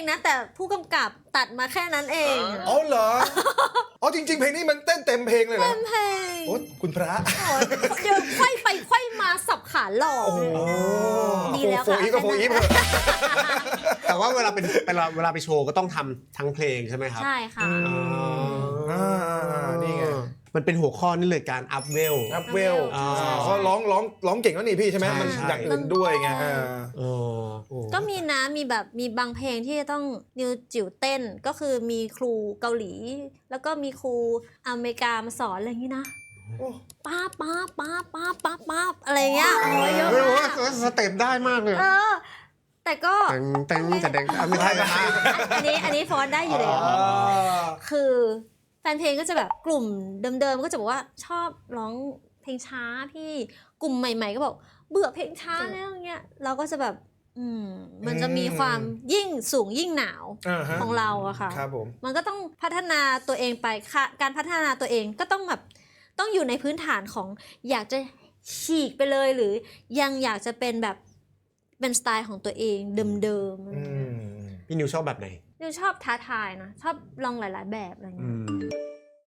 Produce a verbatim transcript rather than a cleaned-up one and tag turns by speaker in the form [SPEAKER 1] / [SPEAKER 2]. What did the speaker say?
[SPEAKER 1] นะแต่ผู้กำกับตัดมาแค่นั้นเอง
[SPEAKER 2] อ๋อเหรออ๋อจริงๆเพลงนี้มันเต้นเต็มเพลงเลยเหรอ
[SPEAKER 1] เต็มเพลง
[SPEAKER 2] โอ้คุณพระ
[SPEAKER 1] เดี๋ยวไขว้ไปไขว้มาสับขาหลอก
[SPEAKER 2] โอ้โห
[SPEAKER 1] ดีแล้ว
[SPEAKER 2] โฟ
[SPEAKER 1] ค่ะ
[SPEAKER 2] อีฟก็โฟอีฟเถอะ
[SPEAKER 3] แต่ว่าเวลาเป็นเวลาเวลาไปโชว์ก็ต้องทำทั้งเพลงใช่ไหมครับ
[SPEAKER 1] ใช่ค่ะ
[SPEAKER 2] อ่านี่ไง
[SPEAKER 3] มันเป็นหัวข้อนี่เลยการอัพเวล
[SPEAKER 2] อัพเวล
[SPEAKER 3] อ่า
[SPEAKER 2] เขาร้องร้องร้องเก่งแล้วนี่พี่ใช่ไหม
[SPEAKER 3] ใช่
[SPEAKER 2] มัน
[SPEAKER 3] ใช่
[SPEAKER 2] อย่างอื่นด้วยไงอ่า
[SPEAKER 3] เออโอ้
[SPEAKER 1] ก็มีนะมีแบบมีบางเพลงที่จะต้องนิวจิ๋วเต้นก็คือมีครูเกาหลี แล้วก็มีครูอเมริกามาสอนอะไรอย่างนี้นะ
[SPEAKER 2] โอ้
[SPEAKER 1] ป้าป้าป้าป้าป้าป้าอะไรเงี้ยโอ้ยเยอะ
[SPEAKER 3] ไม่รู้
[SPEAKER 1] มา
[SPEAKER 3] ว่าก สเต็ปได้มากเลย
[SPEAKER 1] เออแต่ก็
[SPEAKER 3] แตงแตงแต่แดงอ่ะไม่ใช่นะ
[SPEAKER 1] อันนี้อันนี้ฟอนได้อยู่แล้ว
[SPEAKER 2] อ่า
[SPEAKER 1] คือแฟนเพลงก็จะแบบกลุ่มเดิมๆก็จะบอกว่าชอบร้องเพลงช้าพี่กลุ่มใหม่ๆก็บอกเบื่อเพลงช้าแล้วอย่างเงี้ยเราก็จะแบบอืมมันจะมีความยิ่งสูงยิ่งหนาว
[SPEAKER 2] อ่าฮะ
[SPEAKER 1] ของเราอะค่ะ
[SPEAKER 2] ครับผม
[SPEAKER 1] มันก็ต้องพัฒนาตัวเองไปค่ะการพัฒนาตัวเองก็ต้องแบบต้องอยู่ในพื้นฐานของอยากจะฉีกไปเลยหรือยังอยากจะเป็นแบบเป็นสไตล์ของตัวเองเดิมๆอะไร
[SPEAKER 2] อื
[SPEAKER 1] เงี้ย
[SPEAKER 2] ม
[SPEAKER 3] พี่นิวชอบแบบไหน
[SPEAKER 1] นิวชอบท้าทายนะชอบลองหลาย ๆ แบบอะไร
[SPEAKER 3] อื
[SPEAKER 1] เงี้ย
[SPEAKER 3] ม